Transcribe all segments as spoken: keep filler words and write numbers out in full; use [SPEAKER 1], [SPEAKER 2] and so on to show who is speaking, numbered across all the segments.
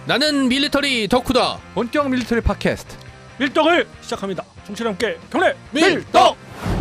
[SPEAKER 1] 나는 밀리터리 덕후다.
[SPEAKER 2] 본격 밀리터리 팟캐스트
[SPEAKER 3] 밀떡을 시작합니다. 정치랑 함께 경례
[SPEAKER 1] 밀떡.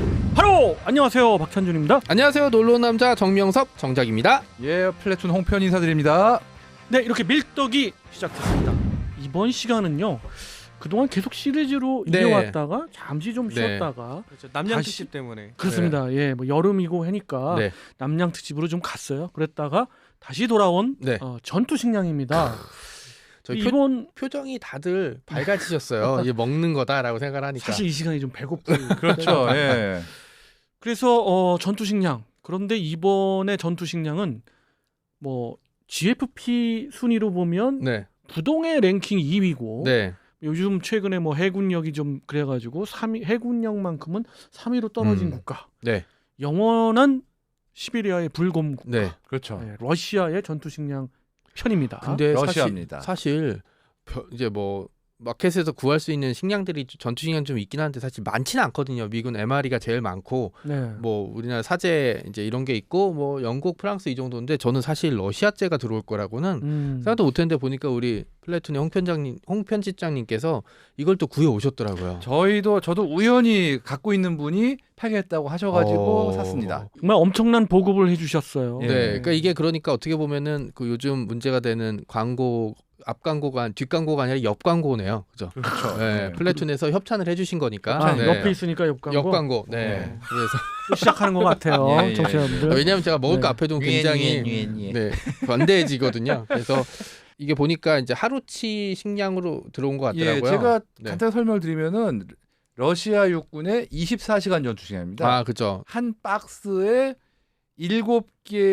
[SPEAKER 3] 바로 안녕하세요, 박찬준입니다.
[SPEAKER 1] 안녕하세요, 놀러온 남자 정명섭 정작입니다.
[SPEAKER 2] 예 플래툰 홍편 인사드립니다.
[SPEAKER 3] 네, 이렇게 밀떡이 시작됐습니다. 이번 시간은요, 그동안 계속 시리즈로
[SPEAKER 1] 네.
[SPEAKER 3] 이어왔다가 잠시 좀
[SPEAKER 1] 네.
[SPEAKER 3] 쉬었다가
[SPEAKER 4] 그렇죠. 남양
[SPEAKER 3] 다시-
[SPEAKER 4] 특집 때문에.
[SPEAKER 3] 그렇습니다. 예, 뭐 여름이고 하니까
[SPEAKER 1] 네.
[SPEAKER 3] 남양 특집으로 좀 갔어요. 그랬다가 다시 돌아온
[SPEAKER 1] 네.
[SPEAKER 3] 어, 전투 식량입니다.
[SPEAKER 1] 저희 표,
[SPEAKER 3] 이번
[SPEAKER 1] 표정이 다들 밝아지셨어요. 이게 먹는 거다라고 생각을 하니까.
[SPEAKER 3] 사실 이 시간이 좀 배고픈
[SPEAKER 2] 그렇죠. 예.
[SPEAKER 3] 그래서 어, 전투 식량. 그런데 이번에 전투 식량은 뭐 지에프피 순위로 보면
[SPEAKER 1] 네.
[SPEAKER 3] 부동의 랭킹 이 위고
[SPEAKER 1] 네.
[SPEAKER 3] 요즘 최근에 뭐 해군력이 좀 그래가지고 삼 위, 해군력만큼은 삼 위로 떨어진
[SPEAKER 1] 음.
[SPEAKER 3] 국가.
[SPEAKER 1] 네.
[SPEAKER 3] 영원한 시베리아의 불곰 국가.
[SPEAKER 1] 네.
[SPEAKER 2] 그렇죠.
[SPEAKER 3] 네, 러시아의 전투 식량 편입니다.
[SPEAKER 1] 근데
[SPEAKER 2] 러시아입니다.
[SPEAKER 1] 사실, 사실 벼- 이제 뭐 마켓에서 구할 수 있는 식량들이 전투 식량 좀 있긴 한데 사실 많지는 않거든요. 미군 엠알이가 제일 많고
[SPEAKER 3] 네.
[SPEAKER 1] 뭐 우리나라 사제 이제 이런 게 있고 뭐 영국, 프랑스 이 정도인데 저는 사실 러시아제가 들어올 거라고는
[SPEAKER 3] 음.
[SPEAKER 1] 생각도 못했는데 보니까 우리 플래툰의 홍 편장님, 홍 편집장님께서 이걸 또 구해 오셨더라고요.
[SPEAKER 2] 저희도 저도 우연히 갖고 있는 분이 파괴했다고 하셔가지고
[SPEAKER 1] 어.
[SPEAKER 2] 샀습니다.
[SPEAKER 3] 정말 엄청난 보급을 해주셨어요.
[SPEAKER 2] 예.
[SPEAKER 1] 네, 그러니까 이게 그러니까 어떻게 보면은 그 요즘 문제가 되는 광고 앞 광고가 뒷 광고가 아니라 옆 광고네요, 그죠?
[SPEAKER 2] 그렇죠.
[SPEAKER 1] 네, 플래툰에서 협찬을 해주신 거니까.
[SPEAKER 3] 아,
[SPEAKER 1] 네.
[SPEAKER 3] 옆에 있으니까 옆 광고.
[SPEAKER 1] 옆 광고. 네.
[SPEAKER 2] 네.
[SPEAKER 1] 그래서
[SPEAKER 3] 또 시작하는 것 같아요,
[SPEAKER 2] 예, 예,
[SPEAKER 3] 청취자분들.
[SPEAKER 1] 아, 왜냐하면 제가 먹을
[SPEAKER 3] 네.
[SPEAKER 1] 거 앞에 두면 굉장히 네 관대해지거든요. 그래서 이게 보니까 이제 하루치 식량으로 들어온 것
[SPEAKER 2] 예,
[SPEAKER 1] 같더라고요.
[SPEAKER 2] 제가
[SPEAKER 1] 네.
[SPEAKER 2] 간단히 설명을 드리면은 러시아 육군의 이십사 시간 전투 시간입니다.
[SPEAKER 1] 아, 그죠.
[SPEAKER 2] 한 박스에 일곱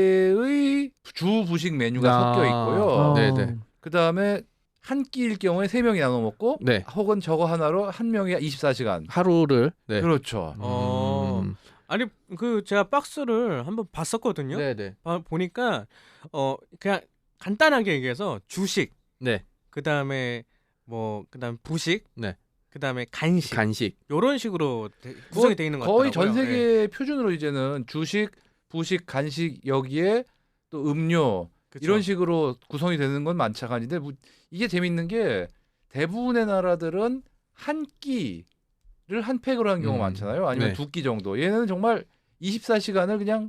[SPEAKER 2] 개의 주 부식 메뉴가
[SPEAKER 1] 아.
[SPEAKER 2] 섞여 있고요.
[SPEAKER 3] 어.
[SPEAKER 1] 네네.
[SPEAKER 2] 그 다음에 한 끼일 경우에 세 명이 나눠 먹고,
[SPEAKER 1] 네.
[SPEAKER 2] 혹은 저거 하나로 한 명이 이십사 시간.
[SPEAKER 1] 하루를. 네.
[SPEAKER 2] 그렇죠.
[SPEAKER 4] 어.
[SPEAKER 1] 음.
[SPEAKER 4] 아니 그 제가 박스를 한번 봤었거든요.
[SPEAKER 1] 네네.
[SPEAKER 4] 봐- 보니까 어 그냥 간단하게 얘기해서 주식,
[SPEAKER 1] 네.
[SPEAKER 4] 그다음에 뭐 그다음 부식,
[SPEAKER 1] 네.
[SPEAKER 4] 그다음에 간식
[SPEAKER 1] 간식.
[SPEAKER 4] 이런 식으로 되, 구성이 돼 있는 것
[SPEAKER 2] 거의
[SPEAKER 4] 같더라고요.
[SPEAKER 2] 전
[SPEAKER 4] 예.
[SPEAKER 2] 세계 표준으로 이제는 주식, 부식, 간식 여기에 또 음료
[SPEAKER 4] 그쵸.
[SPEAKER 2] 이런 식으로 구성이 되는 건 많지가 않은데, 뭐 이게 재밌는 게 대부분의 나라들은 한 끼를 한 팩으로 하는 경우가
[SPEAKER 1] 음.
[SPEAKER 2] 많잖아요. 아니면
[SPEAKER 1] 네.
[SPEAKER 2] 두 끼 정도. 얘는 정말 이십사 시간을 그냥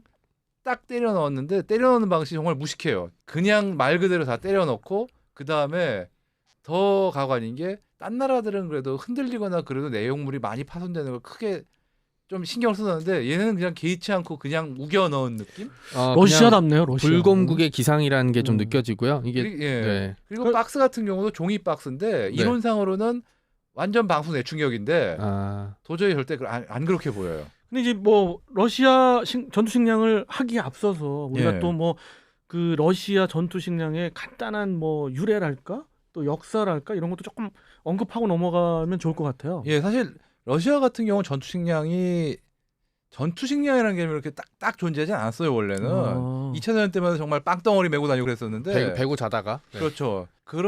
[SPEAKER 2] 딱 때려 넣었는데, 때려 넣는 방식이 정말 무식해요. 그냥 말 그대로 다 때려 넣고, 그 다음에 더 가관인 게 딴 나라들은 그래도 흔들리거나 그래도 내용물이 많이 파손되는 걸 크게 좀 신경을 쓰는데, 얘는 그냥 개의치 않고 그냥 우겨 넣은 느낌?
[SPEAKER 1] 어, 그냥
[SPEAKER 3] 러시아답네요, 러시아.
[SPEAKER 1] 불곰국의 기상이라는 게 좀
[SPEAKER 3] 음.
[SPEAKER 1] 느껴지고요. 이게
[SPEAKER 2] 그리, 예.
[SPEAKER 1] 네.
[SPEAKER 2] 그리고
[SPEAKER 3] 그-
[SPEAKER 2] 박스 같은 경우도 종이 박스인데,
[SPEAKER 1] 네.
[SPEAKER 2] 이론상으로는 완전 방수 내충격인데
[SPEAKER 1] 아,
[SPEAKER 2] 도저히 절대 그- 안, 안 그렇게 보여요.
[SPEAKER 3] 근데 이제 뭐 러시아 식, 전투 식량을 하기에 앞서서 우리가
[SPEAKER 2] 예.
[SPEAKER 3] 또 뭐 그 러시아 전투 식량의 간단한 뭐 유래랄까 또 역사랄까 이런 것도 조금 언급하고 넘어가면 좋을 것 같아요.
[SPEAKER 2] 예, 사실 러시아 같은 경우는 전투 식량이 전투 식량이라는 개념이 이렇게 딱딱 존재하지 않았어요 원래는.
[SPEAKER 3] 아.
[SPEAKER 2] 이 차 대전 때마다 정말 빵덩어리 메고 다니고 그랬었는데.
[SPEAKER 1] 배, 배고 자다가. 네.
[SPEAKER 2] 그렇죠.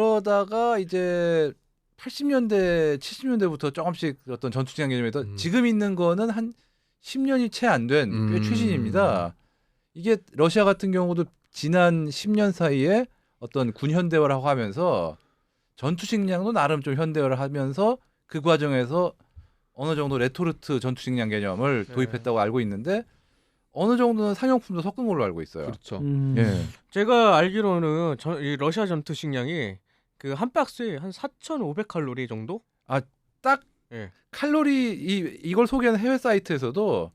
[SPEAKER 2] 그러다가 이제 팔십 년대, 칠십 년대부터 조금씩 어떤 전투 식량 개념에 더
[SPEAKER 1] 음.
[SPEAKER 2] 지금 있는 거는 한 십 년이 채 안 된 꽤
[SPEAKER 1] 음.
[SPEAKER 2] 최신입니다. 이게 러시아 같은 경우도 지난 십 년 사이에 어떤 군 현대화를 하고 하면서 전투 식량도 나름 좀 현대화를 하면서 그 과정에서 어느 정도 레토르트 전투 식량 개념을
[SPEAKER 4] 네.
[SPEAKER 2] 도입했다고 알고 있는데, 어느 정도는 상용품도 섞은 걸로 알고 있어요.
[SPEAKER 1] 그렇죠.
[SPEAKER 3] 음.
[SPEAKER 2] 예.
[SPEAKER 4] 제가 알기로는 저, 이 러시아 전투 식량이 그 한 박스에 한 사천오백 칼로리 정도?
[SPEAKER 2] 딱
[SPEAKER 4] 예.
[SPEAKER 2] 칼로리 이 이걸 소개하는 해외 사이트에서도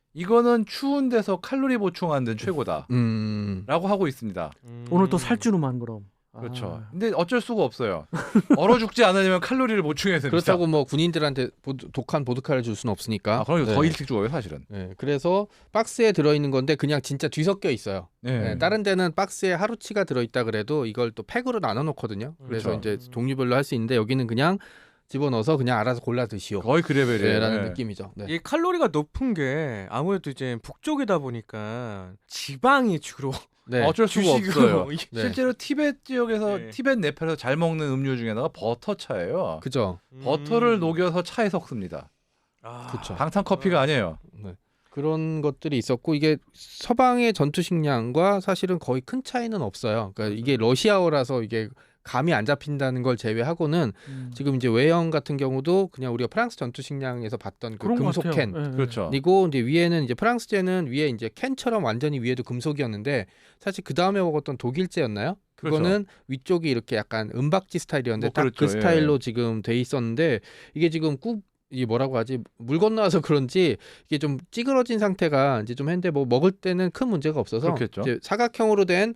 [SPEAKER 2] 이거는 추운 데서 칼로리 보충하는 데는 최고다라고
[SPEAKER 1] 음.
[SPEAKER 2] 하고 있습니다.
[SPEAKER 4] 음.
[SPEAKER 3] 오늘 또 살주로만 그럼.
[SPEAKER 2] 그렇죠.
[SPEAKER 3] 아.
[SPEAKER 2] 근데 어쩔 수가 없어요. 얼어 죽지 않으려면 칼로리를 보충해야 됩니다.
[SPEAKER 1] 그렇다고 뭐 군인들한테 보드, 독한 보드카를 줄 수는 없으니까.
[SPEAKER 2] 아, 그럼
[SPEAKER 1] 네.
[SPEAKER 2] 더 일찍 죽어요, 사실은.
[SPEAKER 1] 네. 그래서 박스에 들어 있는 건데 그냥 진짜 뒤섞여 있어요.
[SPEAKER 2] 네.
[SPEAKER 1] 네, 다른 데는 박스에 하루치가 들어있다 그래도 이걸 또 팩으로 나눠 놓거든요. 그래서
[SPEAKER 2] 그렇죠.
[SPEAKER 1] 이제 종류별로 할 수 있는데 여기는 그냥 집어넣어서 그냥 알아서 골라 드시오.
[SPEAKER 2] 거의 그 레벨이에요.
[SPEAKER 1] 네, 라는
[SPEAKER 2] 네.
[SPEAKER 1] 느낌이죠. 네.
[SPEAKER 4] 이 칼로리가 높은 게 아무래도 이제 북쪽이다 보니까 지방이 주로
[SPEAKER 1] 네.
[SPEAKER 2] 어쩔 수가
[SPEAKER 4] 주식으로
[SPEAKER 2] 없어요.
[SPEAKER 1] 네.
[SPEAKER 2] 실제로 티벳 지역에서
[SPEAKER 4] 네.
[SPEAKER 2] 티벳 네팔에서 잘 먹는 음료 중에 하나가 버터차예요.
[SPEAKER 1] 그죠.
[SPEAKER 2] 버터를
[SPEAKER 4] 음.
[SPEAKER 2] 녹여서 차에 섞습니다.
[SPEAKER 4] 아.
[SPEAKER 1] 그쵸.
[SPEAKER 2] 방탄 커피가 아니에요.
[SPEAKER 1] 네. 그런 것들이 있었고 이게 서방의 전투 식량과 사실은 거의 큰 차이는 없어요. 그러니까 이게 러시아어라서 이게 감이 안 잡힌다는 걸 제외하고는
[SPEAKER 3] 음.
[SPEAKER 1] 지금 이제 외형 같은 경우도 그냥 우리가 프랑스 전투 식량에서 봤던 그
[SPEAKER 3] 그런 것
[SPEAKER 1] 금속
[SPEAKER 3] 같아요.
[SPEAKER 1] 캔.
[SPEAKER 3] 예, 예.
[SPEAKER 2] 그렇죠.
[SPEAKER 1] 그리고 이제 위에는 이제 프랑스제는 위에 이제 캔처럼 완전히 위에도 금속이었는데 사실 그 다음에 먹었던 독일제였나요? 그거는 위쪽이 이렇게 약간 은박지 스타일이었는데
[SPEAKER 2] 뭐
[SPEAKER 1] 딱 그
[SPEAKER 2] 그렇죠.
[SPEAKER 1] 스타일로
[SPEAKER 2] 예.
[SPEAKER 1] 지금 돼 있었는데 이게 지금 꾹 이게 뭐라고 하지 물 건너와서 그런지 이게 좀 찌그러진 상태가 이제 좀 했는데 뭐 먹을 때는 큰 문제가 없어서
[SPEAKER 2] 그렇겠죠.
[SPEAKER 1] 이제 사각형으로 된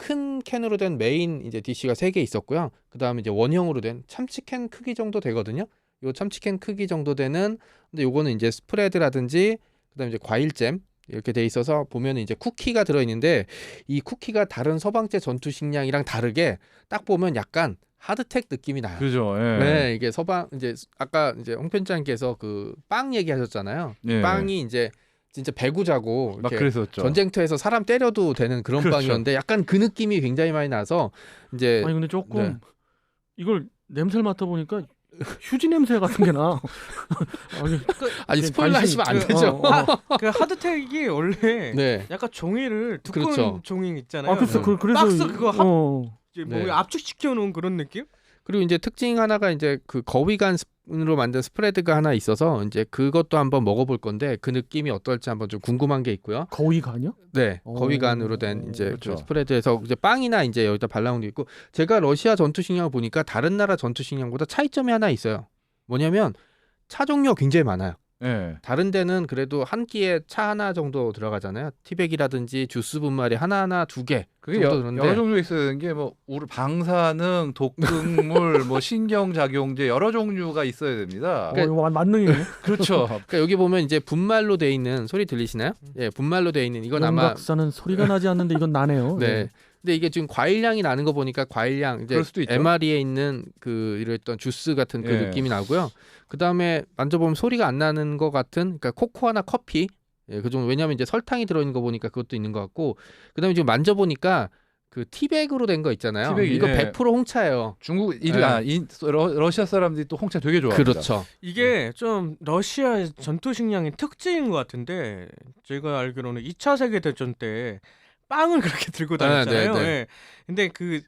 [SPEAKER 1] 큰 캔으로 된 메인 이제 디쉬가 세 개 있었고요. 그다음에 이제 원형으로 된 참치캔 크기 정도 되거든요. 요 참치캔 크기 정도 되는 근데 요거는 이제 스프레드라든지 그다음에 이제 과일잼 이렇게 돼 있어서 보면은 이제 쿠키가 들어 있는데 이 쿠키가 다른 서방제 전투 식량이랑 다르게 딱 보면 약간 하드텍 느낌이 나요.
[SPEAKER 2] 그죠. 예.
[SPEAKER 1] 네, 이게 서방 이제 아까 이제 홍 편장님께서 그 빵 얘기하셨잖아요.
[SPEAKER 2] 예.
[SPEAKER 1] 빵이 이제 진짜 배구자고
[SPEAKER 2] 막
[SPEAKER 1] 이렇게
[SPEAKER 2] 그랬었죠.
[SPEAKER 1] 전쟁터에서 사람 때려도 되는 그런
[SPEAKER 2] 그렇죠.
[SPEAKER 1] 빵이었는데 약간 그 느낌이 굉장히 많이 나서 이제
[SPEAKER 3] 아니 근데 조금
[SPEAKER 1] 네.
[SPEAKER 3] 이걸 냄새를 맡아 보니까 휴지 냄새 같은 게 나. 아니,
[SPEAKER 1] 아니
[SPEAKER 3] 이게
[SPEAKER 1] 스포일러
[SPEAKER 3] 관심-
[SPEAKER 1] 하시면 안
[SPEAKER 4] 그,
[SPEAKER 1] 되죠.
[SPEAKER 3] 어, 어.
[SPEAKER 4] 그 하드텍이 원래
[SPEAKER 1] 네.
[SPEAKER 4] 약간 종이를 두꺼운
[SPEAKER 1] 그렇죠.
[SPEAKER 4] 종이 있잖아요.
[SPEAKER 3] 아 그래서 그, 그래서
[SPEAKER 4] 박스
[SPEAKER 3] 이-
[SPEAKER 4] 그거 합-
[SPEAKER 3] 어.
[SPEAKER 4] 이제 뭐
[SPEAKER 1] 네.
[SPEAKER 4] 압축시켜 놓은 그런 느낌?
[SPEAKER 1] 그리고 이제 특징 하나가 이제 그 거위간으로 만든 스프레드가 하나 있어서 이제 그것도 한번 먹어볼 건데 그 느낌이 어떨지 한번 좀 궁금한 게 있고요.
[SPEAKER 3] 거위 간이요?
[SPEAKER 1] 네,
[SPEAKER 3] 오.
[SPEAKER 1] 거위간으로 된 이제
[SPEAKER 2] 그렇죠.
[SPEAKER 1] 그 스프레드에서 이제 빵이나 이제 여기다 발라놓은 게 있고 제가 러시아 전투 식량을 보니까 다른 나라 전투 식량보다 차이점이 하나 있어요. 뭐냐면 차 종류가 굉장히 많아요.
[SPEAKER 2] 예.
[SPEAKER 1] 다른 데는 그래도 한 끼에 차 하나 정도 들어가잖아요. 티백이라든지 주스 분말이 하나하나 두 개
[SPEAKER 2] 그게
[SPEAKER 1] 정도
[SPEAKER 2] 여,
[SPEAKER 1] 들었는데
[SPEAKER 2] 여러 종류가 있어야 되는 게 뭐 우리 방사능, 독극물, 뭐 신경작용제 여러 종류가 있어야 됩니다.
[SPEAKER 3] 어, 이거 만능이네.
[SPEAKER 2] 그렇죠.
[SPEAKER 1] 그러니까 여기 보면 이제 분말로 돼 있는 소리 들리시나요? 예, 분말로 돼 있는 이건 아마
[SPEAKER 3] 용각사는 소리가 나지 않는데 이건 나네요.
[SPEAKER 1] 네.
[SPEAKER 3] 예.
[SPEAKER 1] 근데 이게 지금 과일향이 나는 거 보니까 과일향 이제
[SPEAKER 2] 그럴 수도 있죠.
[SPEAKER 1] 엠알이에 있는 그 이랬던 주스 같은 그
[SPEAKER 2] 예.
[SPEAKER 1] 느낌이 나고요. 그 다음에 만져보면 소리가 안 나는 것 같은 그러니까 코코아나 커피 예, 그 정도 왜냐하면 이제 설탕이 들어있는 거 보니까 그것도 있는 것 같고 그 다음에 지금 만져보니까 그 티백으로 된 거 있잖아요.
[SPEAKER 2] 티백이,
[SPEAKER 1] 이거
[SPEAKER 2] 예.
[SPEAKER 1] 백 퍼센트 홍차예요.
[SPEAKER 2] 중국 일
[SPEAKER 1] 네.
[SPEAKER 2] 아, 인, 러, 러시아 사람들이 또 홍차 되게 좋아합니다.
[SPEAKER 1] 그렇죠.
[SPEAKER 4] 이게 좀 러시아 전투 식량의 특징인 것 같은데 제가 알기로는 이 차 세계 대전 때 빵을 그렇게 들고 다녔잖아요.
[SPEAKER 1] 네, 네, 네.
[SPEAKER 4] 예. 근데 그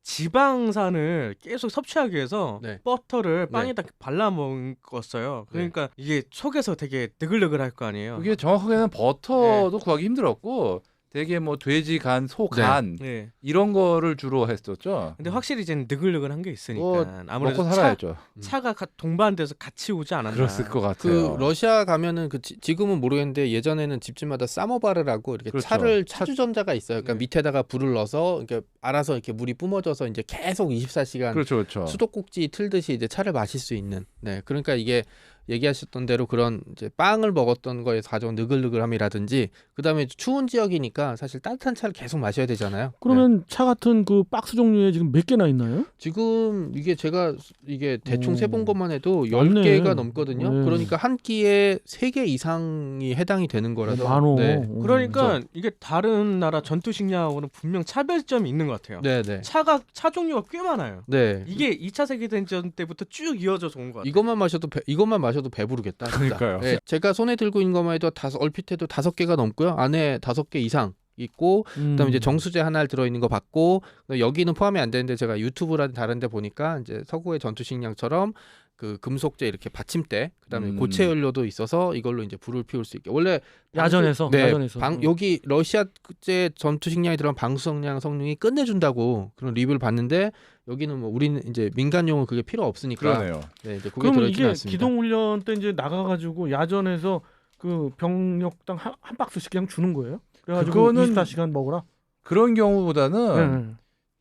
[SPEAKER 4] 지방산을 계속 섭취하기 위해서
[SPEAKER 1] 네.
[SPEAKER 4] 버터를 빵에다 발라 먹었어요. 그러니까 이게 속에서 되게 느글느글할 거 아니에요.
[SPEAKER 2] 그게 정확하게는 버터도 구하기 힘들었고 되게 뭐 돼지 간, 소 간
[SPEAKER 4] 네.
[SPEAKER 2] 이런 거를 주로 했었죠.
[SPEAKER 4] 근데 확실히 이제 느글느글한 게 있으니까
[SPEAKER 2] 뭐,
[SPEAKER 4] 아무래도
[SPEAKER 2] 먹고
[SPEAKER 4] 차,
[SPEAKER 2] 살아야죠.
[SPEAKER 4] 차가 가- 동반돼서 같이 오지 않았나.
[SPEAKER 2] 그랬을 것
[SPEAKER 1] 그
[SPEAKER 2] 같아요.
[SPEAKER 1] 러시아 가면은 그 지, 지금은 모르겠는데 예전에는 집집마다 사모바르라고 이렇게
[SPEAKER 2] 그렇죠.
[SPEAKER 1] 차를 차주전자가 있어요. 그러니까
[SPEAKER 4] 네.
[SPEAKER 1] 밑에다가 불을 넣어서 이렇게 알아서 이렇게 물이 뿜어져서 이제 계속 이십사 시간
[SPEAKER 2] 그렇죠, 그렇죠.
[SPEAKER 1] 수도꼭지 틀듯이 이제 차를 마실 수 있는. 네, 그러니까 이게 얘기하셨던 대로 그런 이제 빵을 먹었던 거에서 가져온 느글느글함이라든지 그다음에 추운 지역이니까 사실 따뜻한 차를 계속 마셔야 되잖아요. 네.
[SPEAKER 3] 그러면 차 같은 그 박스 종류에 지금 몇 개나 있나요?
[SPEAKER 1] 지금 이게 제가 이게 대충
[SPEAKER 3] 오.
[SPEAKER 1] 세본 것만 해도
[SPEAKER 3] 많네.
[SPEAKER 1] 열 개가 넘거든요.
[SPEAKER 3] 네.
[SPEAKER 1] 그러니까 한 끼에 세 개 이상이 해당이 되는 거라서.
[SPEAKER 3] 많어.
[SPEAKER 1] 네.
[SPEAKER 3] 음.
[SPEAKER 4] 그러니까 이게 다른 나라 전투 식량하고는 분명 차별점이 있는 것 같아요.
[SPEAKER 1] 네, 네.
[SPEAKER 4] 차가 차 종류가 꽤 많아요.
[SPEAKER 1] 네.
[SPEAKER 4] 이게 이 차 세계대전 때부터 쭉 이어져서 온 것 같아요.
[SPEAKER 1] 이것만 마셔도 배, 이것만 마셔도 배부르겠다. 진짜.
[SPEAKER 2] 그러니까요.
[SPEAKER 1] 네, 제가 손에 들고 있는 것만 해도 다섯 얼핏 해도 다섯 개가 넘고요. 안에 다섯 개 이상 있고
[SPEAKER 3] 음.
[SPEAKER 1] 그다음에 이제 정수제 하나 들어 있는 거 봤고 여기는 포함이 안 되는데 제가 유튜브라든 다른 데 보니까 이제 서구의 전투 식량처럼 그 금속제 이렇게 받침대 그다음에
[SPEAKER 2] 음.
[SPEAKER 1] 고체 연료도 있어서 이걸로 이제 불을 피울 수 있게 원래
[SPEAKER 3] 야전에서
[SPEAKER 1] 네,
[SPEAKER 3] 야전에서
[SPEAKER 1] 방,
[SPEAKER 3] 음.
[SPEAKER 1] 여기 러시아제 전투 식량에 들어간 방수성량 성능이 끝내준다고 그런 리뷰를 봤는데 여기는 뭐 우리는 이제 민간용은 그게 필요 없으니까
[SPEAKER 2] 그러네요.
[SPEAKER 1] 네, 이제 그게
[SPEAKER 3] 그러면
[SPEAKER 1] 들어있지
[SPEAKER 3] 이게
[SPEAKER 1] 않습니다.
[SPEAKER 3] 기동 훈련 때 이제 나가가지고 야전에서 그 병력당 한, 한 박스씩 그냥 주는 거예요? 그래가지고
[SPEAKER 2] 그거는-
[SPEAKER 3] 이십사 시간 먹으라.
[SPEAKER 2] 그런 경우보다는
[SPEAKER 3] 네.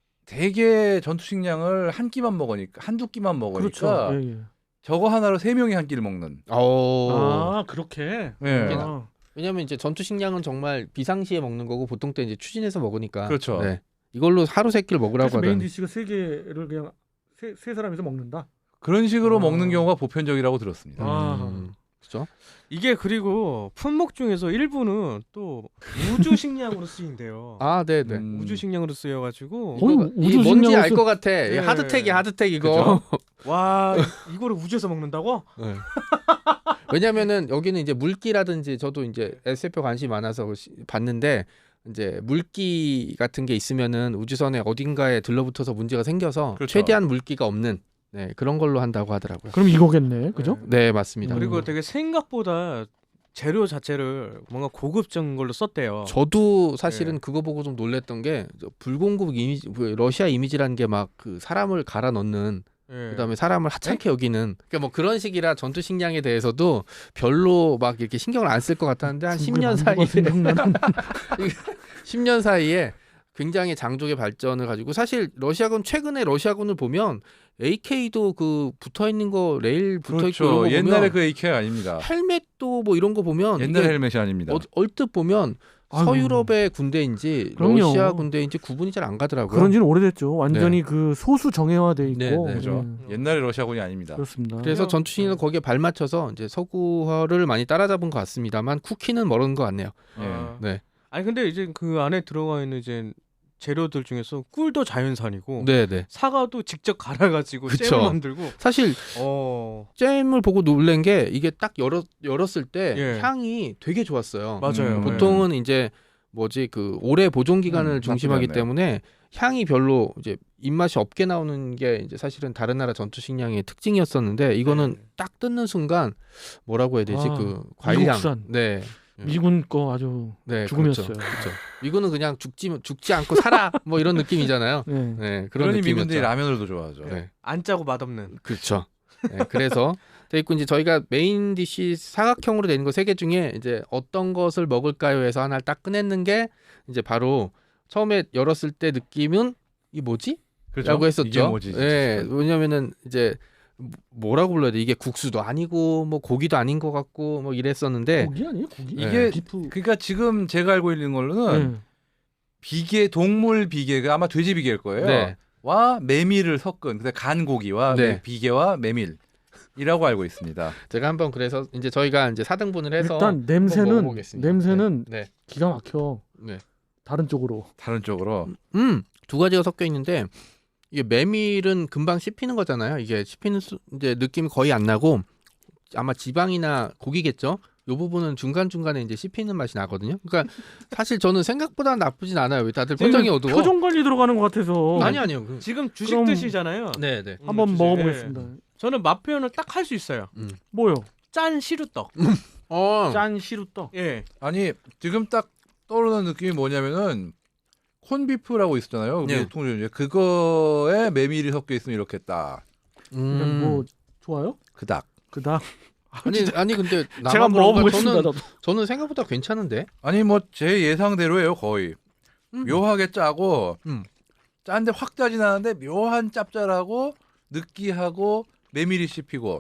[SPEAKER 2] 되게 전투 식량을 한 끼만 먹으니까 한두 끼만 먹으니까
[SPEAKER 3] 그렇죠. 예, 예.
[SPEAKER 2] 저거 하나로 세 명이 한 끼를 먹는.
[SPEAKER 1] 어...
[SPEAKER 3] 아 그렇게.
[SPEAKER 2] 예.
[SPEAKER 3] 아.
[SPEAKER 1] 왜냐면 이제 전투 식량은 정말 비상시에 먹는 거고 보통 때 이제 추진해서 먹으니까.
[SPEAKER 2] 그렇죠.
[SPEAKER 1] 네. 이걸로 하루 세 끼를 먹으라고
[SPEAKER 3] 그래서 메인
[SPEAKER 1] 하더니.
[SPEAKER 3] 디시가 세 개를 그냥 세, 세 사람이서 먹는다.
[SPEAKER 2] 그런 식으로
[SPEAKER 3] 아.
[SPEAKER 2] 먹는 경우가 보편적이라고 들었습니다.
[SPEAKER 3] 아.
[SPEAKER 1] 음, 그렇죠.
[SPEAKER 4] 이게 그리고 품목 중에서 일부는 또 우주 식량으로 쓰인대요.
[SPEAKER 1] 아, 네, 네.
[SPEAKER 2] 음.
[SPEAKER 4] 우주 식량으로 쓰여가지고
[SPEAKER 3] 거의
[SPEAKER 1] 이거
[SPEAKER 3] 우주
[SPEAKER 1] 이 뭔지
[SPEAKER 3] 식량으로
[SPEAKER 1] 알
[SPEAKER 3] 쓰-
[SPEAKER 1] 것 같아.
[SPEAKER 4] 네.
[SPEAKER 1] 하드텍이 하드텍 이거.
[SPEAKER 4] 와 이거를 우주에서 먹는다고?
[SPEAKER 1] 네. 왜냐면은 여기는 이제 물기라든지 저도 이제 에스에프에 관심이 많아서 시- 봤는데 이제 물기 같은 게 있으면은 우주선에 어딘가에 들러붙어서 문제가 생겨서
[SPEAKER 2] 그렇죠.
[SPEAKER 1] 최대한 물기가 없는 네, 그런 걸로 한다고 하더라고요.
[SPEAKER 3] 그럼 이거겠네, 그죠?
[SPEAKER 1] 네, 맞습니다.
[SPEAKER 3] 음.
[SPEAKER 4] 그리고 되게 생각보다 재료 자체를 뭔가 고급진 걸로 썼대요.
[SPEAKER 1] 저도 사실은
[SPEAKER 4] 네.
[SPEAKER 1] 그거 보고 좀 놀랬던 게 저 불공급 이미지, 그 러시아 이미지라는 게 막 그 사람을 갈아 넣는
[SPEAKER 4] 예.
[SPEAKER 1] 그다음에 사람을 하찮게 여기는 그러니까 뭐 그런 식이라 전투 식량에 대해서도 별로 막 이렇게 신경을 안 쓸 것 같았는데 한 십 년 사이에 십 년 사이에 굉장히 장족의 발전을 가지고 사실 러시아군 최근에 러시아군을 보면 에이케이도 그 붙어 있는 거 레일 붙어 있고 이런
[SPEAKER 2] 그렇죠.
[SPEAKER 1] 거
[SPEAKER 2] 옛날에
[SPEAKER 1] 보면
[SPEAKER 2] 그 에이케이 아닙니다.
[SPEAKER 1] 헬멧도 뭐 이런 거 보면
[SPEAKER 2] 옛날
[SPEAKER 1] 이게
[SPEAKER 2] 헬멧이 아닙니다.
[SPEAKER 1] 어, 얼뜻 보면
[SPEAKER 3] 아유.
[SPEAKER 1] 서유럽의 군대인지
[SPEAKER 3] 그럼요.
[SPEAKER 1] 러시아 군대인지 구분이 잘 안 가더라고요.
[SPEAKER 3] 그런지는 오래됐죠. 완전히 그 소수 정예화돼 있고.
[SPEAKER 1] 네, 네.
[SPEAKER 2] 그죠?
[SPEAKER 3] 네.
[SPEAKER 2] 옛날에 러시아군이 아닙니다.
[SPEAKER 3] 그렇습니다.
[SPEAKER 1] 그래서 전투신은 거기에 발맞춰서 이제 서구화를 많이 따라잡은 것 같습니다만 쿠키는 멀은 것 같네요.
[SPEAKER 4] 아.
[SPEAKER 1] 네.
[SPEAKER 4] 아니 근데 이제 그 안에 들어가 있는 이제 재료들 중에서 꿀도 자연산이고
[SPEAKER 1] 네, 네.
[SPEAKER 4] 사과도 직접 갈아가지고
[SPEAKER 1] 그쵸.
[SPEAKER 4] 잼을 만들고.
[SPEAKER 1] 사실
[SPEAKER 4] 어
[SPEAKER 1] 잼을 보고 놀란 게 이게 딱 열었 열었을 때
[SPEAKER 4] 예.
[SPEAKER 1] 향이 되게 좋았어요.
[SPEAKER 4] 맞아요.
[SPEAKER 2] 음,
[SPEAKER 1] 보통은 이제 뭐지 그 오래 보존 기간을
[SPEAKER 2] 음,
[SPEAKER 1] 중심하기
[SPEAKER 2] 나쁘지 않네요.
[SPEAKER 1] 때문에 향이 별로 이제 입맛이 없게 나오는 게 이제 사실은 다른 나라 전투 식량의 특징이었었는데 이거는
[SPEAKER 4] 네.
[SPEAKER 1] 딱 뜯는 순간 뭐라고 해야 되지
[SPEAKER 3] 아,
[SPEAKER 1] 그 과일향.
[SPEAKER 3] 미국산.
[SPEAKER 1] 네.
[SPEAKER 3] 미군 거 아주
[SPEAKER 1] 네,
[SPEAKER 3] 죽음이었어요.
[SPEAKER 1] 그렇죠. 그렇죠. 이거는 그냥 죽지 죽지 않고 살아 뭐 이런 느낌이잖아요.
[SPEAKER 3] 네.
[SPEAKER 1] 네, 그런
[SPEAKER 2] 그러니
[SPEAKER 1] 느낌이었죠.
[SPEAKER 2] 미군들이 라면을도 좋아하죠.
[SPEAKER 1] 네.
[SPEAKER 4] 안 짜고 맛없는.
[SPEAKER 1] 그렇죠. 네, 그래서 돼 있고 이제 저희가 메인 디시 사각형으로 되는 거 세 개 중에 이제 어떤 것을 먹을까요 해서 하나를 딱 꺼냈는 게 이제 바로 처음에 열었을 때 느낌은 이 뭐지?
[SPEAKER 2] 그렇죠?
[SPEAKER 1] 라고 했었죠.
[SPEAKER 2] 이게 뭐지?
[SPEAKER 1] 네, 왜냐면은 이제 뭐라고 불러야 돼? 이게 국수도 아니고 뭐 고기도 아닌 것 같고 뭐 이랬었는데
[SPEAKER 3] 고기 아니에요? 고기?
[SPEAKER 2] 이게
[SPEAKER 3] 비프.
[SPEAKER 2] 그러니까 지금 제가 알고 있는 걸로는
[SPEAKER 3] 네.
[SPEAKER 2] 비계 동물 비계가 아마 돼지 비계일 거예요.
[SPEAKER 1] 네.
[SPEAKER 2] 와 메밀을 섞은 근데 간 고기와
[SPEAKER 1] 네.
[SPEAKER 2] 비계와 메밀이라고 알고 있습니다.
[SPEAKER 1] 제가 한번 그래서 이제 저희가 이제 사 등분을 해서
[SPEAKER 3] 일단
[SPEAKER 1] 한번
[SPEAKER 3] 냄새는
[SPEAKER 1] 먹어보겠습니다.
[SPEAKER 3] 냄새는
[SPEAKER 1] 네.
[SPEAKER 3] 기가 막혀.
[SPEAKER 1] 네.
[SPEAKER 3] 다른 쪽으로.
[SPEAKER 2] 다른 쪽으로
[SPEAKER 1] 음, 두 가지가 섞여 있는데 이게 메밀은 금방 씹히는 거잖아요. 이게 씹히는 수, 이제 느낌이 거의 안 나고 아마 지방이나 고기겠죠. 요 부분은 중간 중간에 이제 씹히는 맛이 나거든요. 그러니까 사실 저는 생각보다 나쁘진 않아요. 왜 다들 표정이 어두워?
[SPEAKER 3] 표정 관리 들어가는 것 같아서.
[SPEAKER 1] 아니 아니요. 그-
[SPEAKER 4] 지금 주식
[SPEAKER 3] 그럼-
[SPEAKER 4] 드시잖아요.
[SPEAKER 1] 네, 네.
[SPEAKER 3] 한번
[SPEAKER 4] 주식.
[SPEAKER 3] 먹어보겠습니다.
[SPEAKER 4] 예. 저는 맛 표현을 딱 할 수 있어요.
[SPEAKER 3] 뭐요?
[SPEAKER 4] 짠 시루떡.
[SPEAKER 1] 어.
[SPEAKER 3] 짠 시루떡.
[SPEAKER 4] 예.
[SPEAKER 2] 아니 지금 딱 떠오르는 느낌이 뭐냐면은 콘비프라고 있었잖아요.
[SPEAKER 1] 네.
[SPEAKER 2] 우리 통조림 그거에 메밀이 섞여 있으면 이렇게 딱
[SPEAKER 3] 그냥
[SPEAKER 1] 음.
[SPEAKER 3] 뭐 좋아요?
[SPEAKER 2] 그닥.
[SPEAKER 3] 그다음
[SPEAKER 1] 아니 아니 근데 나만
[SPEAKER 3] 제가
[SPEAKER 1] 그런가?
[SPEAKER 3] 먹어보겠습니다.
[SPEAKER 1] 저는
[SPEAKER 3] 저도.
[SPEAKER 1] 저는 생각보다 괜찮은데.
[SPEAKER 2] 아니 뭐 제 예상대로예요 거의.
[SPEAKER 1] 음.
[SPEAKER 2] 묘하게 짜고
[SPEAKER 1] 음.
[SPEAKER 2] 짠데 확 짜진 않은데 묘한 짭짤하고 느끼하고 메밀이 씹히고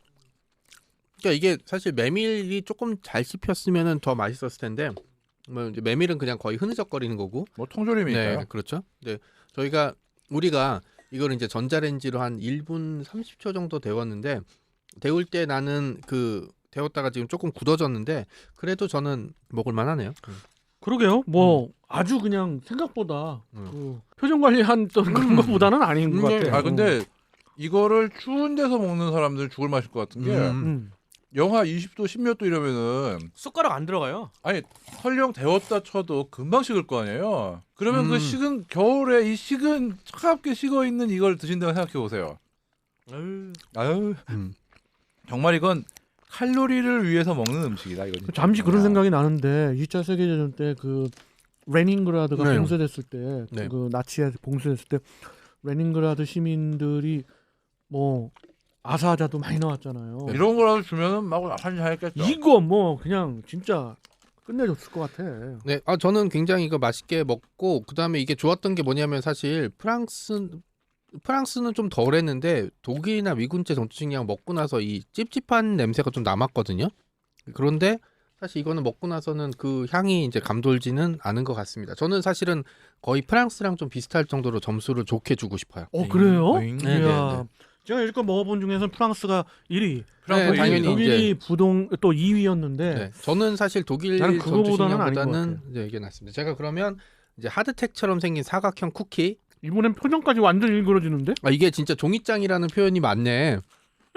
[SPEAKER 1] 그러니까 이게 사실 메밀이 조금 잘 씹혔으면은 더 맛있었을 텐데 뭐 이제 메밀은 그냥 거의 흐느적거리는 거고.
[SPEAKER 2] 뭐 통조림이니까요.
[SPEAKER 1] 네, 그렇죠. 네, 저희가 우리가 이걸 이제 전자레인지로 한 일 분 삼십 초 정도 데웠는데 데울 때 나는 그 데웠다가 지금 조금 굳어졌는데 그래도 저는 먹을 만하네요.
[SPEAKER 3] 그러게요. 뭐 아주 그냥 생각보다
[SPEAKER 1] 음.
[SPEAKER 3] 그 표정 관리한 또 그런
[SPEAKER 1] 음.
[SPEAKER 3] 것보다는 아닌 것
[SPEAKER 1] 음,
[SPEAKER 3] 같아요.
[SPEAKER 2] 아 근데 이거를 추운 데서 먹는 사람들 죽을 맛일 것 같은 게
[SPEAKER 1] 음.
[SPEAKER 3] 음.
[SPEAKER 2] 영하 이십 도, 십 몇 도 이러면은
[SPEAKER 4] 숟가락 안 들어가요.
[SPEAKER 2] 아니 설령 데웠다 쳐도 금방 식을 거 아니에요. 그러면
[SPEAKER 1] 음.
[SPEAKER 2] 그 식은 겨울에 이 식은 차갑게 식어 있는 이걸 드신다고 생각해 보세요.
[SPEAKER 4] 아유.
[SPEAKER 2] 아유
[SPEAKER 1] 음.
[SPEAKER 2] 정말 이건 칼로리를 위해서 먹는 음식이다 이거. 진짜.
[SPEAKER 3] 잠시 그런
[SPEAKER 2] 야.
[SPEAKER 3] 생각이 나는데 이 차 세계대전 때 그 레닌그라드가
[SPEAKER 1] 네.
[SPEAKER 3] 봉쇄됐을 때,
[SPEAKER 1] 네.
[SPEAKER 3] 그 나치에 봉쇄됐을 때 레닌그라드 시민들이 뭐 아사자도 많이 나왔잖아요.
[SPEAKER 2] 이런 거라도 주면은 막 한잔 했겠죠.
[SPEAKER 3] 이거 뭐 그냥 진짜 끝내줬을 것 같아.
[SPEAKER 1] 네, 아 저는 굉장히 이거 맛있게 먹고 그 다음에 이게 좋았던 게 뭐냐면 사실 프랑스 프랑스는 좀 덜했는데 독일이나 미군제 전투식량 먹고 나서 이 찝찝한 냄새가 좀 남았거든요. 그런데 사실 이거는 먹고 나서는 그 향이 이제 감돌지는 않은 것 같습니다. 저는 사실은 거의 프랑스랑 좀 비슷할 정도로 점수를 좋게 주고 싶어요.
[SPEAKER 3] 어 그래요?
[SPEAKER 2] 오잉.
[SPEAKER 1] 네,
[SPEAKER 3] 이야,
[SPEAKER 1] 네, 네.
[SPEAKER 3] 제가 여지껏 먹어본 중에서는 프랑스가 일 위,
[SPEAKER 2] 프랑스
[SPEAKER 1] 네, 당연히
[SPEAKER 2] 일위입니다.
[SPEAKER 3] 독일이 부동 또 이 위였는데
[SPEAKER 1] 네, 저는 사실 독일
[SPEAKER 3] 나는 그거보다는 아닌 것
[SPEAKER 1] 전투식량보다는 네, 이게 낫습니다. 제가 그러면 이제 하드텍처럼 생긴 사각형 쿠키.
[SPEAKER 3] 이번엔 표정까지 완전 일그러지는데?
[SPEAKER 1] 아 이게 진짜 종이장이라는 표현이 맞네.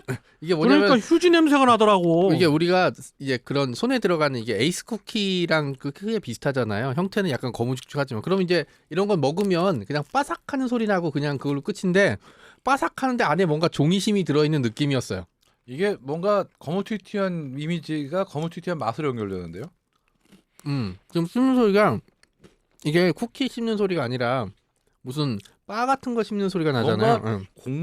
[SPEAKER 1] 이게 뭐냐면
[SPEAKER 3] 그러니까 휴지 냄새가 나더라고.
[SPEAKER 1] 이게 우리가 이제 그런 손에 들어가는 이게 에이스 쿠키랑 그 크게 비슷하잖아요. 형태는 약간 거무죽죽하지만 그럼 이제 이런 걸 먹으면 그냥 바삭하는 소리 나고 그냥 그걸로 끝인데 바삭하는데 안에 뭔가 종이심이 들어있는 느낌이었어요.
[SPEAKER 2] 이게 뭔가 거무튀튀한 이미지가 거무튀튀한 맛으로 연결되는데요.
[SPEAKER 1] 음, 좀 씹는 소리가 이게 쿠키 씹는 소리가 아니라 무슨 바 같은 거 씹는 소리가 나잖아요.
[SPEAKER 2] 뭔가
[SPEAKER 1] 응.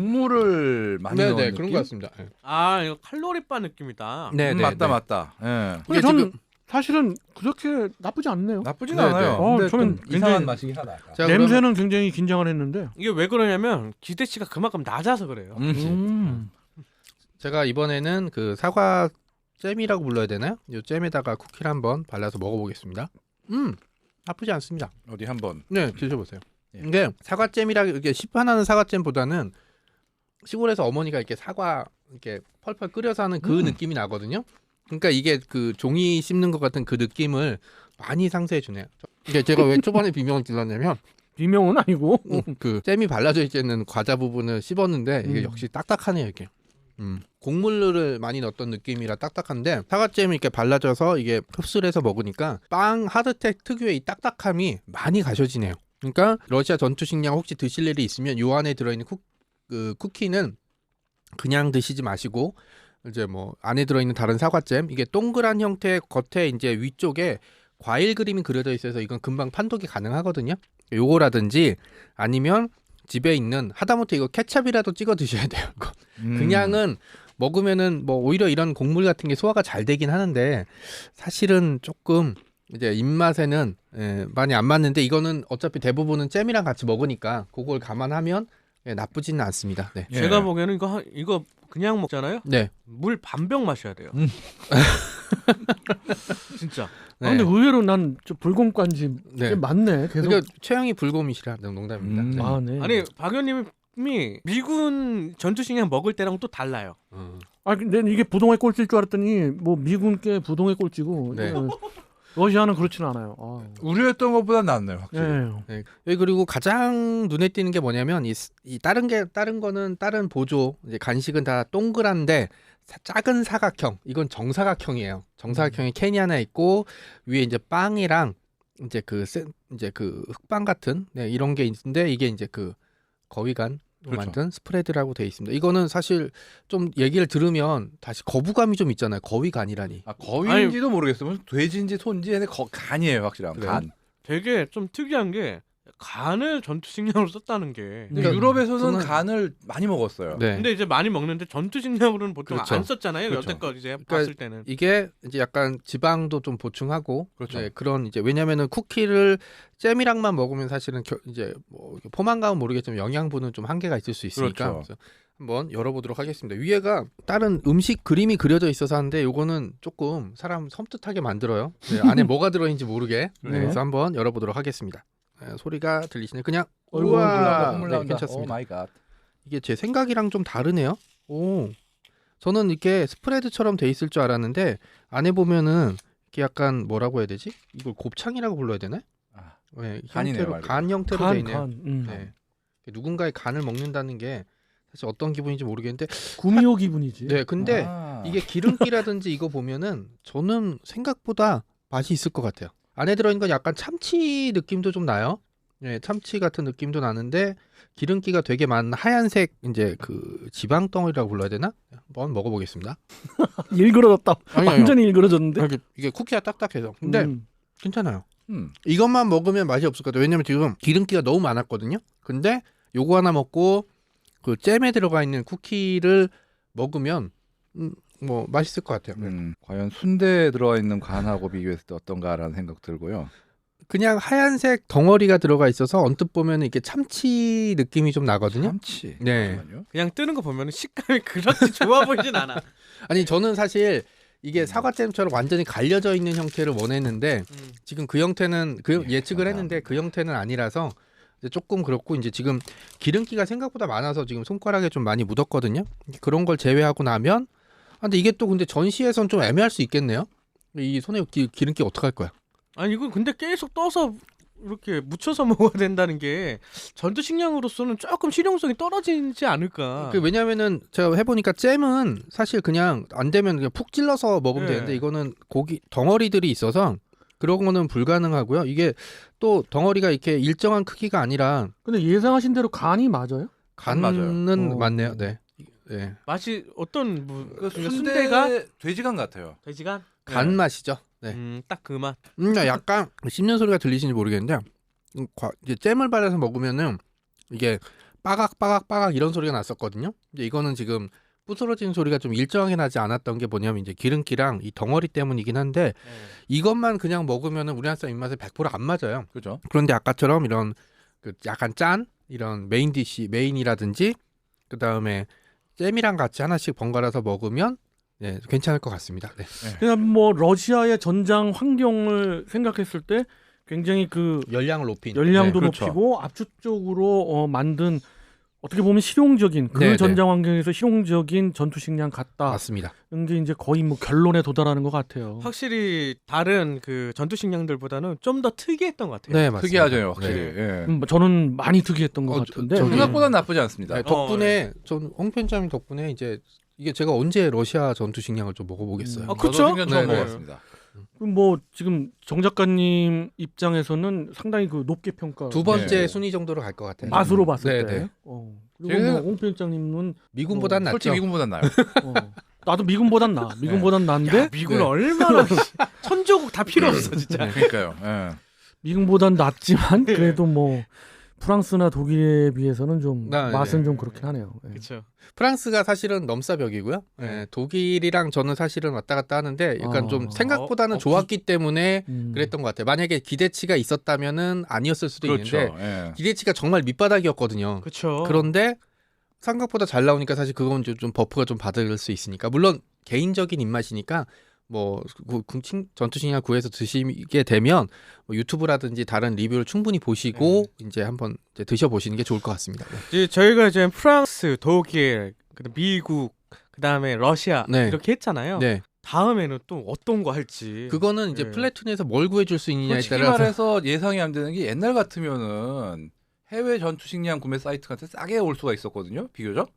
[SPEAKER 2] 곡물을 많이
[SPEAKER 1] 네,
[SPEAKER 2] 넣은
[SPEAKER 1] 네,
[SPEAKER 2] 느낌.
[SPEAKER 1] 그런 것 같습니다. 네.
[SPEAKER 4] 아 이거 칼로리바 느낌이다.
[SPEAKER 1] 네,
[SPEAKER 2] 음,
[SPEAKER 1] 네,
[SPEAKER 2] 맞다
[SPEAKER 1] 네.
[SPEAKER 2] 맞다. 예.
[SPEAKER 3] 근데
[SPEAKER 1] 이게
[SPEAKER 3] 저는
[SPEAKER 1] 지금-
[SPEAKER 3] 사실은 그렇게 나쁘지 않네요.
[SPEAKER 2] 나쁘진
[SPEAKER 1] 네,
[SPEAKER 2] 않아요.
[SPEAKER 1] 네.
[SPEAKER 3] 어,
[SPEAKER 2] 근데
[SPEAKER 3] 저는
[SPEAKER 2] 좀
[SPEAKER 3] 굉장히-
[SPEAKER 2] 이상한 맛이긴 하다. 약간.
[SPEAKER 1] 자,
[SPEAKER 3] 냄새는
[SPEAKER 1] 그러면-
[SPEAKER 3] 굉장히 긴장을 했는데.
[SPEAKER 4] 이게 왜 그러냐면 기대치가 그만큼 낮아서 그래요.
[SPEAKER 2] 음.
[SPEAKER 3] 음.
[SPEAKER 1] 제가 이번에는 그 사과 잼이라고 불러야 되나요? 이 잼에다가 쿠키를 한번 발라서 먹어보겠습니다. 음, 나쁘지 않습니다.
[SPEAKER 2] 어디 한번.
[SPEAKER 1] 네, 드셔보세요.
[SPEAKER 2] 예.
[SPEAKER 1] 이게 사과잼이라 이렇게 시판하는 사과잼보다는 시골에서 어머니가 이렇게 사과 이렇게 펄펄 끓여서 하는 그
[SPEAKER 2] 음.
[SPEAKER 1] 느낌이 나거든요. 그러니까 이게 그 종이 씹는 것 같은 그 느낌을 많이 상쇄해 주네요. 이게 제가 왜 초반에 비명을 질렀냐면
[SPEAKER 3] 비명은 아니고.
[SPEAKER 1] 그 잼이 발라져 있는 과자 부분을 씹었는데 이게
[SPEAKER 3] 음.
[SPEAKER 1] 역시 딱딱하네요 이게. 음. 곡물을 많이 넣었던 느낌이라 딱딱한데 사과잼이 이렇게 발라져서 이게 흡수를 해서 먹으니까 빵 하드텍 특유의 이 딱딱함이 많이 가셔지네요. 그러니까 러시아 전투식량 혹시 드실 일이 있으면 요 안에 들어있는 쿠, 그 쿠키는 그냥 드시지 마시고 이제 뭐 안에 들어있는 다른 사과잼 이게 동그란 형태 겉에 이제 위쪽에 과일 그림이 그려져 있어서 이건 금방 판독이 가능하거든요. 요거라든지 아니면 집에 있는 하다못해 이거 케찹이라도 찍어 드셔야 돼요. 이거.
[SPEAKER 2] 음.
[SPEAKER 1] 그냥은 먹으면은 뭐 오히려 이런 곡물 같은 게 소화가 잘 되긴 하는데 사실은 조금 이제 입맛에는 예, 많이 안 맞는데 이거는 어차피 대부분은 잼이랑 같이 먹으니까 그걸 감안하면 예, 나쁘지는 않습니다. 네.
[SPEAKER 2] 예.
[SPEAKER 4] 제가 보기에는 이거 한- 이거 그냥 먹잖아요.
[SPEAKER 1] 네.
[SPEAKER 4] 물 반병 마셔야 돼요.
[SPEAKER 2] 음.
[SPEAKER 4] 진짜.
[SPEAKER 1] 네.
[SPEAKER 3] 아, 근데 의외로 난 저 불곰까지
[SPEAKER 1] 네.
[SPEAKER 3] 꽤 많네. 계속.
[SPEAKER 1] 그러니까 최영이 불곰이시라 농담입니다.
[SPEAKER 2] 음.
[SPEAKER 1] 네.
[SPEAKER 3] 아, 네.
[SPEAKER 4] 아니 박 의원님이 미군 전투식량 먹을 때랑 또 달라요.
[SPEAKER 1] 어.
[SPEAKER 3] 아, 근데 이게 부동의 꼴찌일 줄 알았더니 뭐 미군께 부동의 꼴찌고
[SPEAKER 1] 네.
[SPEAKER 3] 어, 러시아는 그렇지는 않아요. 아.
[SPEAKER 2] 우려했던 것보다 낫네요, 확실히.
[SPEAKER 3] 네.
[SPEAKER 1] 네. 여기 그리고 가장 눈에 띄는 게 뭐냐면 이, 스- 이 다른 게 다른 거는 다른 보조 이제 간식은 다 동그란데 사- 작은 사각형 이건 정사각형이에요. 정사각형이 캔이 하나 있고 위에 이제 빵이랑 이제 그 세- 이제 그 흑빵 같은 네, 이런 게 있는데 이게 이제 그 거위간
[SPEAKER 2] 그렇죠.
[SPEAKER 1] 만든 스프레드라고 돼 있습니다. 이거는 사실 좀 얘기를 들으면 다시 거부감이 좀 있잖아요. 거위간이라니.
[SPEAKER 2] 아, 거위인지도 모르겠어요. 무슨 돼지인지 소인지 근데 거, 간이에요, 확실한
[SPEAKER 1] 그래요?
[SPEAKER 2] 간.
[SPEAKER 4] 되게 좀 특이한 게 간을 전투식량으로 썼다는 게.
[SPEAKER 2] 근데
[SPEAKER 1] 그러니까
[SPEAKER 2] 유럽에서는
[SPEAKER 1] 저는-
[SPEAKER 2] 간을 많이 먹었어요.
[SPEAKER 1] 네.
[SPEAKER 4] 근데 이제 많이 먹는데 전투식량으로는 보통
[SPEAKER 1] 그렇죠.
[SPEAKER 4] 안 썼잖아요.
[SPEAKER 2] 그렇죠.
[SPEAKER 4] 여태껏 이제
[SPEAKER 1] 그러니까
[SPEAKER 4] 봤을 때는.
[SPEAKER 1] 이게 이제 약간 지방도 좀 보충하고
[SPEAKER 2] 그렇죠.
[SPEAKER 1] 네, 그런 이제 왜냐면은 쿠키를 잼이랑만 먹으면 사실은 겨, 이제 뭐 포만감은 모르겠지만 영양분은 좀 한계가 있을 수 있으니까
[SPEAKER 2] 그렇죠.
[SPEAKER 1] 그래서 한번 열어보도록 하겠습니다. 위에가 다른 음식 그림이 그려져 있어서 하는데 요거는 조금 사람 섬뜩하게 만들어요. 네, 안에 뭐가 들어있는지 모르게 네,
[SPEAKER 3] 네.
[SPEAKER 1] 그래서 한번 열어보도록 하겠습니다. 네, 소리가 들리시네. 그냥
[SPEAKER 3] 어이구,
[SPEAKER 2] 콧물
[SPEAKER 1] 우와,
[SPEAKER 2] 나온다, 콧물
[SPEAKER 1] 네,
[SPEAKER 2] 나온다. 오
[SPEAKER 1] 괜찮습니다.
[SPEAKER 2] 마이 갓.
[SPEAKER 1] 이게 제 생각이랑 좀 다르네요. 오, 저는 이렇게 스프레드처럼 돼 있을 줄 알았는데 안에 보면은 이렇게 약간 뭐라고 해야 되지? 이걸 곱창이라고 불러야 되나?
[SPEAKER 2] 아,
[SPEAKER 1] 네,
[SPEAKER 2] 간이네요,
[SPEAKER 1] 형태로
[SPEAKER 2] 말 그대로.
[SPEAKER 1] 간 형태로 돼
[SPEAKER 3] 간,
[SPEAKER 1] 있네요.
[SPEAKER 3] 간. 음.
[SPEAKER 1] 네. 누군가의 간을 먹는다는 게 사실 어떤 기분인지 모르겠는데,
[SPEAKER 3] 구미호 기분이지.
[SPEAKER 1] 네, 근데
[SPEAKER 2] 아.
[SPEAKER 1] 이게 기름기라든지 이거 보면은 저는 생각보다 맛이 있을 것 같아요. 안에 들어있는 건 약간 참치 느낌도 좀 나요. 네, 참치 같은 느낌도 나는데 기름기가 되게 많은 하얀색 이제 그 지방 덩어리라고 불러야 되나? 한번 먹어보겠습니다.
[SPEAKER 3] 일그러졌다.
[SPEAKER 1] 아니요,
[SPEAKER 3] 완전히 일그러졌는데.
[SPEAKER 1] 이게, 이게 쿠키가 딱딱해서. 근데
[SPEAKER 3] 음.
[SPEAKER 1] 괜찮아요.
[SPEAKER 2] 음.
[SPEAKER 1] 이것만 먹으면 맛이 없을 것 같아요. 왜냐면 지금 기름기가 너무 많았거든요. 근데 요거 하나 먹고 그 잼에 들어가 있는 쿠키를 먹으면 음, 뭐 맛있을 것 같아요.
[SPEAKER 2] 음, 과연 순대에 들어가 있는 간하고 비교했을 때 어떤가라는 생각 들고요.
[SPEAKER 1] 그냥 하얀색 덩어리가 들어가 있어서 언뜻 보면 이게 참치 느낌이 좀 나거든요.
[SPEAKER 2] 참치.
[SPEAKER 1] 네.
[SPEAKER 2] 잠깐만요.
[SPEAKER 4] 그냥 뜨는 거 보면 식감이 그렇게 좋아 보이진 않아.
[SPEAKER 1] 아니 저는 사실 이게 사과잼처럼 완전히 갈려져 있는 형태를 원했는데
[SPEAKER 4] 음.
[SPEAKER 1] 지금 그 형태는 그
[SPEAKER 2] 예,
[SPEAKER 1] 예측을 했는데 그 형태는 아니라서 이제 조금 그렇고 이제 지금 기름기가 생각보다 많아서 지금 손가락에 좀 많이 묻었거든요. 그런 걸 제외하고 나면 아, 근데 이게 또 근데 전시에선 좀 애매할 수 있겠네요. 이 손에 기, 기름기 어떡할 거야?
[SPEAKER 4] 아니 이거 근데 계속 떠서 이렇게 묻혀서 먹어야 된다는 게 전투 식량으로서는 조금 실용성이 떨어지지 않을까.
[SPEAKER 1] 그 왜냐면은 제가 해보니까 잼은 사실 그냥 안 되면 그냥 푹 찔러서 먹으면
[SPEAKER 4] 네.
[SPEAKER 1] 되는데 이거는 고기 덩어리들이 있어서 그런 거는 불가능하고요. 이게 또 덩어리가 이렇게 일정한 크기가 아니라
[SPEAKER 3] 근데 예상하신 대로 간이 맞아요?
[SPEAKER 2] 간 맞아요.
[SPEAKER 1] 간은
[SPEAKER 3] 어.
[SPEAKER 1] 맞네요. 네. 네.
[SPEAKER 4] 맛이 어떤 무,
[SPEAKER 2] 그
[SPEAKER 4] 그러니까
[SPEAKER 2] 순대가
[SPEAKER 4] 순대가
[SPEAKER 2] 돼지간 같아요.
[SPEAKER 4] 돼지간?
[SPEAKER 1] 간 맛이죠. 네.
[SPEAKER 4] 음, 딱 그 맛.
[SPEAKER 1] 음, 약간 씹는 소리가 들리시는지 모르겠는데 음, 과- 이제 잼을 발라서 먹으면은 이게 빠각 빠각 빠각 이런 소리가 났었거든요. 이제 이거는 지금 부스러진 소리가 좀 일정하게 나지 않았던 게 뭐냐면 이제 기름기랑 이 덩어리 때문이긴 한데 이것만 그냥 먹으면은 우리나라 사람 입맛에 백 퍼센트 안 맞아요.
[SPEAKER 2] 그렇죠.
[SPEAKER 1] 그런데 아까처럼 이런 그 약간 짠 이런 메인 디시 메인이라든지 그 다음에 잼이랑 같이 하나씩 번갈아서 먹으면 네, 괜찮을 것 같습니다. 네.
[SPEAKER 3] 그냥 뭐 러시아의 전장 환경을 생각했을 때 굉장히 그
[SPEAKER 1] 열량을 높인
[SPEAKER 3] 열량도
[SPEAKER 2] 네, 그렇죠.
[SPEAKER 3] 높이고 압축적으로 어, 만든 어떻게 보면 실용적인 그
[SPEAKER 1] 네, 네.
[SPEAKER 3] 전장 환경에서 실용적인 전투 식량 같다.
[SPEAKER 1] 맞습니다.
[SPEAKER 3] 이게 이제 거의 뭐 결론에 도달하는 것 같아요.
[SPEAKER 4] 확실히 다른 그 전투 식량들보다는 좀 더 특이했던 것 같아요.
[SPEAKER 1] 네, 맞습니다.
[SPEAKER 2] 특이하죠, 확실히.
[SPEAKER 1] 네.
[SPEAKER 2] 예.
[SPEAKER 3] 음, 저는 많이 특이했던 것
[SPEAKER 1] 어,
[SPEAKER 3] 같은데.
[SPEAKER 1] 저- 저기-
[SPEAKER 2] 생각보다 나쁘지 않습니다.
[SPEAKER 1] 네, 덕분에 전 홍 편장님 덕분에 이제 이게 제가 언제 러시아 전투 식량을 좀 먹어보겠어요.
[SPEAKER 3] 음.
[SPEAKER 4] 아,
[SPEAKER 2] 저도
[SPEAKER 4] 그쵸?
[SPEAKER 2] 생전 처음
[SPEAKER 1] 네, 네.
[SPEAKER 2] 먹었습니다.
[SPEAKER 3] 그럼 뭐 지금 정 작가님 입장에서는 상당히 그 높게 평가.
[SPEAKER 1] 두 번째
[SPEAKER 2] 네.
[SPEAKER 1] 순위 정도로 갈 것 같아요.
[SPEAKER 3] 맛으로 봤을
[SPEAKER 1] 네,
[SPEAKER 3] 때.
[SPEAKER 1] 네.
[SPEAKER 3] 어. 그리고
[SPEAKER 2] 제가-
[SPEAKER 3] 뭐 홍 편장님은
[SPEAKER 1] 미군보단
[SPEAKER 3] 어,
[SPEAKER 1] 낫죠.
[SPEAKER 2] 솔직히 미군보단 나요.
[SPEAKER 3] 어, 나도 미군보단 나. 미군보단 나은데
[SPEAKER 4] 야, 미군
[SPEAKER 1] 네.
[SPEAKER 4] 얼마나 천조국 다 필요 없어 진짜.
[SPEAKER 1] 네.
[SPEAKER 2] 그러니까요. 예.
[SPEAKER 3] 미군보단 낫지만 그래도 뭐 프랑스나 독일에 비해서는 좀
[SPEAKER 1] 아,
[SPEAKER 3] 맛은
[SPEAKER 1] 네.
[SPEAKER 3] 좀 그렇긴 하네요. 예.
[SPEAKER 4] 그렇죠.
[SPEAKER 1] 프랑스가 사실은 넘사벽이고요. 예, 독일이랑 저는 사실은 왔다 갔다 하는데 약간
[SPEAKER 3] 어.
[SPEAKER 1] 좀 생각보다는
[SPEAKER 4] 어, 어,
[SPEAKER 1] 좋았기 때문에
[SPEAKER 3] 음.
[SPEAKER 1] 그랬던 것 같아요. 만약에 기대치가 있었다면은 아니었을 수도
[SPEAKER 2] 그렇죠.
[SPEAKER 1] 있는데
[SPEAKER 2] 예.
[SPEAKER 1] 기대치가 정말 밑바닥이었거든요.
[SPEAKER 4] 그렇죠.
[SPEAKER 1] 그런데 생각보다 잘 나오니까 사실 그건 좀, 좀 버프가 좀 받을 수 있으니까 물론 개인적인 입맛이니까 뭐 구- 군침 전투식량 구해서 드시게 되면 뭐 유튜브라든지 다른 리뷰를 충분히 보시고 이제 한번 이제 드셔보시는 게 좋을 것 같습니다. 네.
[SPEAKER 4] 이제 저희가 이제 프랑스, 독일, 그다음 미국, 그다음에 러시아
[SPEAKER 1] 네.
[SPEAKER 4] 이렇게 했잖아요.
[SPEAKER 1] 네,
[SPEAKER 4] 다음에는 또 어떤 거 할지.
[SPEAKER 1] 그거는 이제
[SPEAKER 4] 네.
[SPEAKER 1] 플래툰에서 뭘 구해줄 수 있느냐에
[SPEAKER 2] 솔직히
[SPEAKER 1] 따라서
[SPEAKER 2] 말해서 예상이 안 되는 게 옛날 같으면은 해외 전투 식량 구매 사이트 같은 싸게 올 수가 있었거든요. 비교적.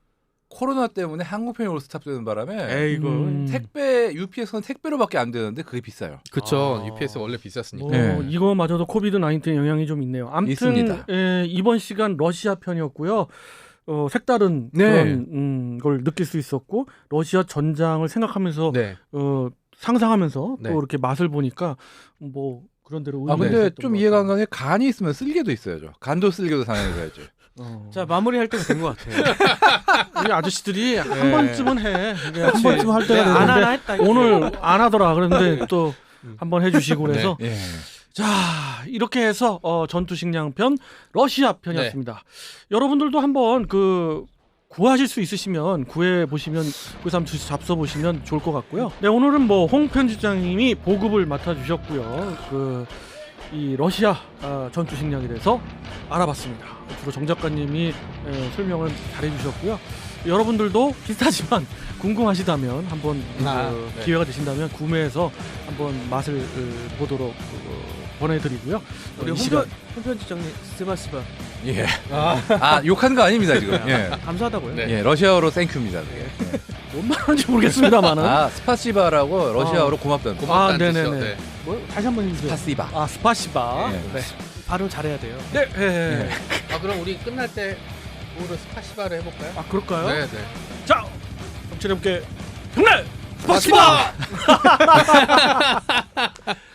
[SPEAKER 2] 코로나 때문에 한국편이 올 스탑되는 바람에
[SPEAKER 4] 에이고.
[SPEAKER 3] 음.
[SPEAKER 2] 택배 유피에스는 택배로밖에 안 되는데 그게 비싸요.
[SPEAKER 1] 그쵸.
[SPEAKER 4] 아.
[SPEAKER 1] 유피에스 원래 비쌌으니까.
[SPEAKER 3] 뭐
[SPEAKER 2] 네.
[SPEAKER 3] 이거마저도 코비드 나인틴 영향이 좀 있네요. 아무튼
[SPEAKER 2] 있습니다.
[SPEAKER 3] 예, 이번 시간 러시아 편이었고요. 어, 색다른
[SPEAKER 1] 네.
[SPEAKER 3] 그런 음, 걸 느낄 수 있었고 러시아 전장을 생각하면서
[SPEAKER 1] 네.
[SPEAKER 3] 어, 상상하면서
[SPEAKER 1] 네.
[SPEAKER 3] 또 이렇게 맛을 보니까 뭐 그런 대로
[SPEAKER 2] 아
[SPEAKER 3] 의미가
[SPEAKER 2] 근데
[SPEAKER 3] 있었던
[SPEAKER 2] 좀
[SPEAKER 3] 것
[SPEAKER 2] 이해가 안
[SPEAKER 3] 같아요.
[SPEAKER 2] 가는 게 간이 있으면 쓸개도 있어야죠. 간도 쓸개도 상해야죠.
[SPEAKER 3] 어.
[SPEAKER 4] 자 마무리할 때가 된 것 같아요.
[SPEAKER 3] 우리 아저씨들이 한
[SPEAKER 4] 네.
[SPEAKER 3] 번쯤은 해. 이게 한
[SPEAKER 4] 그치.
[SPEAKER 3] 번쯤 할 때가
[SPEAKER 4] 내가 안
[SPEAKER 3] 되는데
[SPEAKER 4] 하나 했다. 이거지.
[SPEAKER 3] 오늘 안 하더라. 그런데 또
[SPEAKER 1] 음.
[SPEAKER 3] 한번 해주시고 그래서
[SPEAKER 2] 예.
[SPEAKER 3] 자 이렇게 해서 어, 전투식량 편 러시아 편이었습니다. 여러분들도 한번 그 구하실 수 있으시면 구해 보시면 구해서 한번 잡숴 보시면 좋을 것 같고요. 네 오늘은 뭐 홍 편집장님이 보급을 맡아 주셨고요. 그 이 러시아 아, 전투식량에 대해서 알아봤습니다. 주로 정 작가님이 에, 설명을 잘해주셨고요. 여러분들도 비슷하지만 궁금하시다면 한번
[SPEAKER 1] 아,
[SPEAKER 3] 어,
[SPEAKER 1] 네.
[SPEAKER 3] 기회가 되신다면 구매해서 한번 맛을 어, 보도록 어, 보내드리고요.
[SPEAKER 4] 우리
[SPEAKER 3] 이
[SPEAKER 4] 홍
[SPEAKER 3] 시간-
[SPEAKER 4] 편집장님 스바스바
[SPEAKER 2] 예.
[SPEAKER 1] 아,
[SPEAKER 2] 아 욕하는 거 아닙니다 지금. 예.
[SPEAKER 4] 감사하다고요.
[SPEAKER 1] 네.
[SPEAKER 2] 예, 러시아어로 땡큐입니다. 그게. 예.
[SPEAKER 3] 뭔 말인지 모르겠습니다만은.
[SPEAKER 2] 아 스파시바라고 러시아어로 고맙다는 뜻.
[SPEAKER 3] 아,
[SPEAKER 1] 고맙다는
[SPEAKER 3] 네네네.
[SPEAKER 1] 뜻이요. 네.
[SPEAKER 3] 뭐 다시 한번 해주세요.
[SPEAKER 2] 스파시바.
[SPEAKER 3] 아 스파시바.
[SPEAKER 2] 예.
[SPEAKER 3] 네.
[SPEAKER 4] 발음 잘해야 돼요.
[SPEAKER 3] 네. 예, 예.
[SPEAKER 1] 아 그럼 우리 끝날 때 오로 스파시바를 해볼까요?
[SPEAKER 3] 아 그럴까요?
[SPEAKER 1] 네, 네.
[SPEAKER 3] 자, 정치해볼게. 형님 스파시바.